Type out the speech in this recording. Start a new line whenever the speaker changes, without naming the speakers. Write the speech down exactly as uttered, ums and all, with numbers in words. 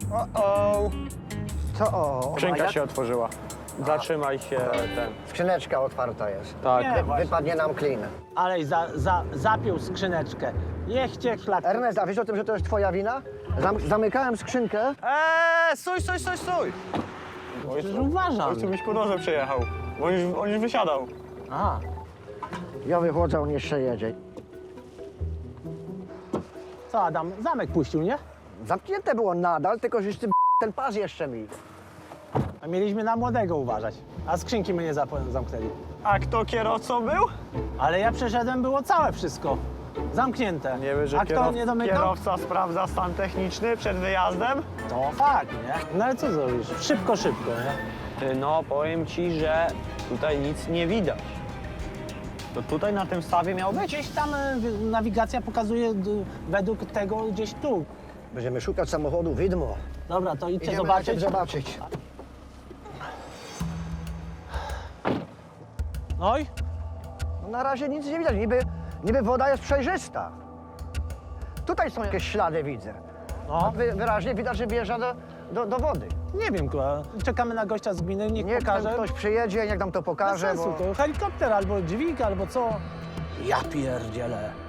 O,
Co? O,
skrzynka
jak?
się otworzyła. Zatrzymaj się ten.
Skrzyneczka otwarta jest.
Tak.
Nie, właśnie.
Wypadnie nam klin.
Ale za, za, zapiął skrzyneczkę. Niech cię szlak.
Ernest, a wiesz o tym, że to jest twoja wina? Zam zamykałem skrzynkę.
Eee, stój, stój, stój, stój!
Przecież uważam.
Ojcu byś po drodze przyjechał. On już, on już wysiadał.
A,
Ja wychodzę, on jeszcze jedzie.
co Adam, zamek puścił, nie?
Zamknięte było nadal, tylko że ty ten pas jeszcze mi.
A mieliśmy na młodego uważać. A skrzynki my nie zap- zamknęli.
A kto kierowcą był?
Ale ja przeszedłem, było całe wszystko. Zamknięte.
Nie wiem, że
A kto
kierow...
nie domykał?
kierowca sprawdza stan techniczny przed wyjazdem.
To fakt, nie? No ale co zrobisz? Szybko, szybko, nie?
Ty, no, powiem ci, że tutaj nic nie widać. To tutaj na tym stawie miał być?
Gdzieś tam e, wy- nawigacja pokazuje d- według tego gdzieś tu.
Będziemy szukać samochodu widmo.
Dobra, to idźcie
Idziemy
zobaczyć.
najpierw zobaczyć.
No i?
No na razie nic nie widać, niby, niby woda jest przejrzysta. Tutaj są jakieś ślady, widzę.
No,
Wy, wyraźnie widać, że wjeżdża do, do, do wody.
nie wiem, kurwa. Czekamy na gościa z gminy, niech
Niech tam
pokaże.
ktoś przyjedzie, niech nam to
Bez
pokaże,
sensu,
bo...
to helikopter albo dźwig, albo co. Ja pierdzielę.